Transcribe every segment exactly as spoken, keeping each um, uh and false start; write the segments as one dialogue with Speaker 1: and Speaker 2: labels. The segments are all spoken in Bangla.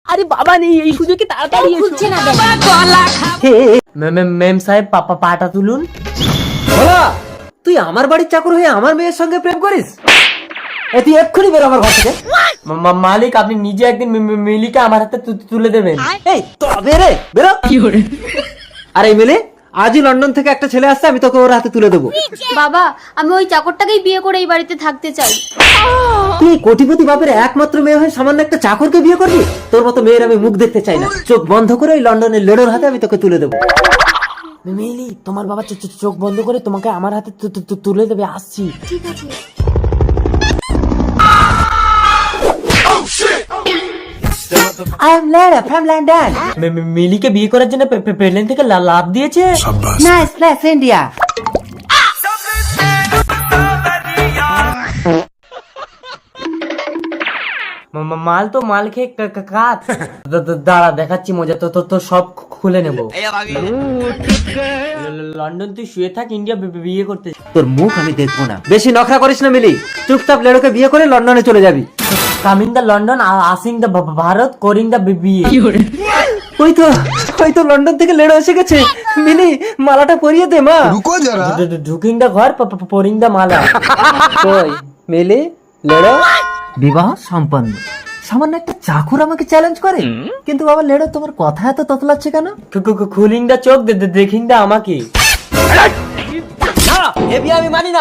Speaker 1: আরে বাবা নেই, এই সুযোগে তাড়াতাড়ি
Speaker 2: খুলছে না
Speaker 1: মেম সাহেব পাপা পাটা তুলুন।
Speaker 3: বলা, তুই আমার বাড়ির চাকর হয়ে আমার মেয়ের সঙ্গে প্রেম করিস? এ তুই এক্ষুনি বের আমার ঘর থেকে।
Speaker 1: মা- মা- মালিক আপনি নিজে একদিন মি- মি- মিলিকে আমার হাতে তু- তুলে দেবেন।
Speaker 3: এই তবে রে বেরো। আরে মিলি, আজই লন্ডন থেকে একটা ছেলে আসছে, আমি তোকে ওর হাতে তুলে দেবো।
Speaker 2: বাবা, আমি ওই চাকরটাকেই বিয়ে করে এই বাড়িতে থাকতে চাই।
Speaker 3: তুই কোটিপতি বাপের একমাত্র মেয়ে হয়ে সামান্য একটা চাকরকে বিয়ে করবি? তোর মতো মেয়ের আমি মুখ দেখতে চাই না। চোখ বন্ধ করে ওই লন্ডনের লেডোর হাতে আমি তোকে তুলে দেবো।
Speaker 1: মিলি তোমার বাবা চো- চো- চোখ বন্ধ করে তোমাকে আমার হাতে তু- তু- তু- তুলে দেবে, আসছি।
Speaker 2: ঠিক আছে।
Speaker 3: I am Leda from London.
Speaker 1: মে- মে- মিলিকে বিয়ে করার জন্য পে- পে- প্লেন থেকে লা- লাভ দিয়েছে।
Speaker 3: Nice place India.
Speaker 1: মা- মা- মাল তো মাল খেয়ে কা- কা- কাত। দা- দা- দাঁড়া দেখাচ্ছি মজা, তো তো- তো সব খু- খুলে নেবো। ল- লন্ডন তুই শুয়ে থাক, ইন্ডিয়া বি- বি- বিয়ে করতে।
Speaker 3: তোর মুখ আমি দেখবো না। বেশি নখরা করিস না মিলি, চুপচাপ লেডোকে বিয়ে করে লন্ডনে চলে যাবি।
Speaker 1: কামিং দা লন্ডন, আসিং দা ভারত, করিং দা বিয়ে।
Speaker 3: ওই তো ওই তো লন্ডন থেকে লেডো এসে গেছে। মিলি, মালাটা পরিয়ে দে মা।
Speaker 4: रुको जरा।
Speaker 1: ঢুকিং দা ঘর, পরিং দা মালা।
Speaker 3: কই মিলি, লেডো বিবাহ সম্পন্ন। সামান্য একটা চাকর আমাকে চ্যালেঞ্জ করে, কিন্তু বাবা লেডো তোমার কথা এত ততলাচ্ছে কেন?
Speaker 1: খুলিং দা চোখ, দেখিং দা আমাকে।
Speaker 3: এ বিয়ে আমি মানি না।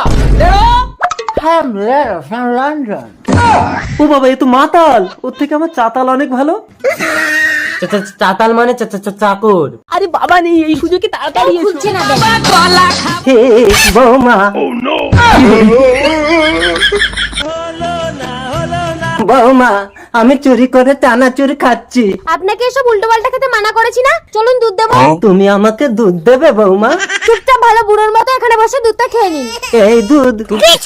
Speaker 3: লন্ডন। ও বাবা, এ তো মাতাল। ওর থেকে আমার চাতাল অনেক ভালো।
Speaker 1: চা- চা- চাতাল মানে চা- চা- চা- চাকর।
Speaker 5: আরে বাবা নেই, এই সুযোগে তাড়াতাড়ি এসো।
Speaker 2: খুলছে না
Speaker 3: হে বৌমা, বৌমা আমি চুরি করে চানাচুর খাচ্ছি।
Speaker 2: আপনাকে এসব উল্টো পাল্টা খেতে মানা করেছি না? চলুন দুধ দেবো।
Speaker 3: তুমি আমাকে দুধ দেবে বৌমা?
Speaker 2: চুপচাপ ভালো বুড়োর মতো এখানে বসে দুধটা খেয়ে নিন।
Speaker 3: এই দুধ।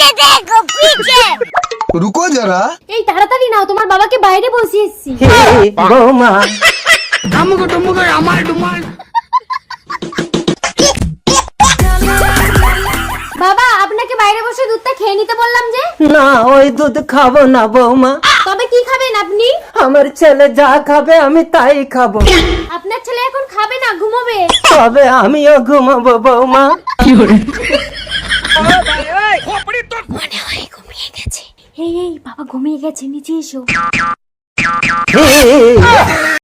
Speaker 4: रुको जरा।
Speaker 2: এই তাড়াতাড়ি নাও, তোমার বাবাকে বাইরে বসিয়ে এসেছি।
Speaker 3: হে বৌমা,
Speaker 2: বাবা, আপনাকে বাইরে বসে দুধটা খেয়ে নিতে বললাম যে।
Speaker 3: না ওই দুধ খাবো না বৌমা।
Speaker 2: তবে কি খাবেন আপনি?
Speaker 3: আমার ছেলে যা খাবে আমি তাই খাবো।
Speaker 2: আপনার ছেলে এখন খাবে না, ঘুমোবে।
Speaker 3: তবে আমিও ঘুমাবো বৌমা।
Speaker 2: মনে হয় ঘুমিয়ে গেছে। এই এই বাবা ঘুমিয়ে গেছে, নিচে এসো।
Speaker 3: হে